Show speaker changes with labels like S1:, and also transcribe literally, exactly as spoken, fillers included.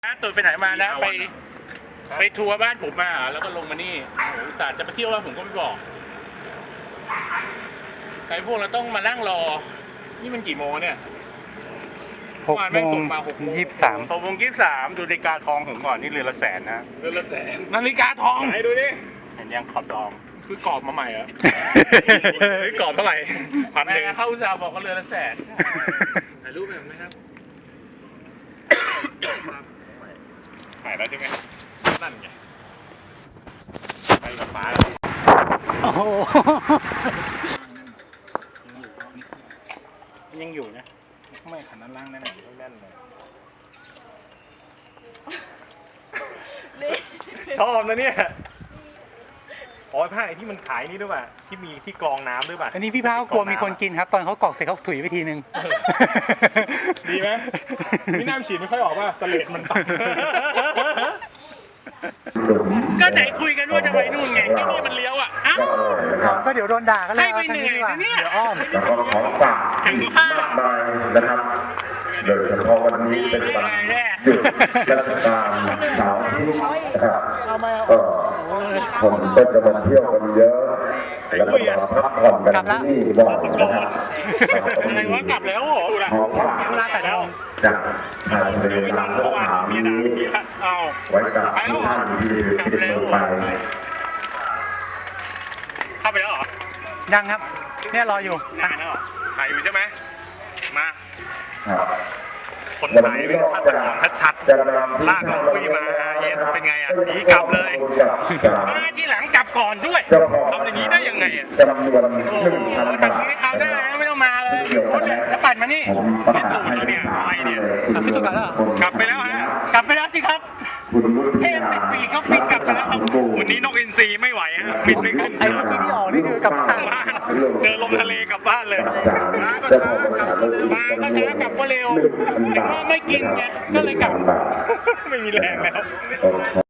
S1: ตุ่นไปไหนมานะไปไปทัวร์บ้านผมมาแล้วก็ลงมานี่อุตส่าห์จะไปเที่ยวแล้วผมก็ไม่บอกใครพวกเราต้องมานั่งรอนี่มันกี่โมงเนี่ย
S2: หกโมงยี่สิบสาม
S1: หกโมงยี่สิบสามดูนาฬิกาทองผมก่อนนี่เรือนละแสนนะเรือนละแสนนาฬิกาทองไหนดูดิเห็นยังขอบทองซื้อกรอบมาใหม่เหรอซื้อกรอบเท่าไหร่พันหนึ่งเข้าอุตสาห์บอกว่าเรือนละแสนถ่ายรูปแบบไหมครับถ่ายแล้วใช่ไหมนั่นไงไปกับฟ้าแล้ว
S2: โอ้โห
S1: ยังอยู่นะไม่ขันด้านล่างแน่นแน่นเลยชอบนะเนี่ยอ๋อผ้าไอ้ที่มันขายนี่ด้วยป่ะที่มีที่กรองน้ำด้วยป่ะ
S2: อันนี้พี่พาเขากลัวมีคนกินครับตอนเขากรอกเสร็จเขาถุยไปทีนึง
S1: ดีไหมพี่น้ำฉีดไม่ค่อยออกป่ะสเลดมันตัดก็ไหนคุยกันว่าจะไปนู่นไงที่นี่มันเลี้ยวอ่ะอ้าว
S2: ก็เดี๋ยวโดนด่ากันเลย
S1: ให้ไปเหนื่อยนะเนี่ย
S2: เดี๋ยวอ้อม
S3: แล้วก็ของฝากมากมายนะครับโดยเฉพาะวันนี้เป็นวันหยุดราชการเสาร์อาทิตย์นะครับก็คนก็จะมาเที่ยวกันเยอะแล้วก็มาพักผ่อนกันที่นี่บ่อยนะครับ
S1: อะไรวะกลับแล้วเหรอ
S3: ของฝากจากทางเรือลำพวกหามีไว้กับทุกท่านที่ติดมือไป
S1: เข้าไปแล้วเหรอ
S2: ยังครับเนี่ยรออยู่
S1: ถ่ายแล้วถ่ายอยู่ใช่ไหมมาคนถ่ายเป็นภาพตัดชัดๆลากของคุยมาเยสเป็นไงอ่ะหนีกลับเลยมาที่หลังกลับก่อนด้วยทำอย่างนี้ได้ยังไงอ่ะโอ้แบบนี้เขาได้ไม่ต้องมาเลยรถเนี่ยจะปั่นมานี่ไม่ตูดแล้วเนี่ยอะไรเนี่ย
S2: กลับไปตัวกันแล้ว
S1: กลับไปแล้วฮะกลับไปแล้วสิครับเทพติดปีกเขาปิดกลับไปแล้วครับวันนี้นกอินทรีไม่ไหวฮะปิดไม่ขึ้น
S2: ไอ้เมื่อกี้ที่ออกนี่คือกลับบ้าน
S1: เจอลมทะเลกลับบ้านเลยมาก็ช้ากลับมาก็ช้ากลับก็เร็วถึงว่าไม่กินไงก็เลยกลับไม่มีแรงแล้ว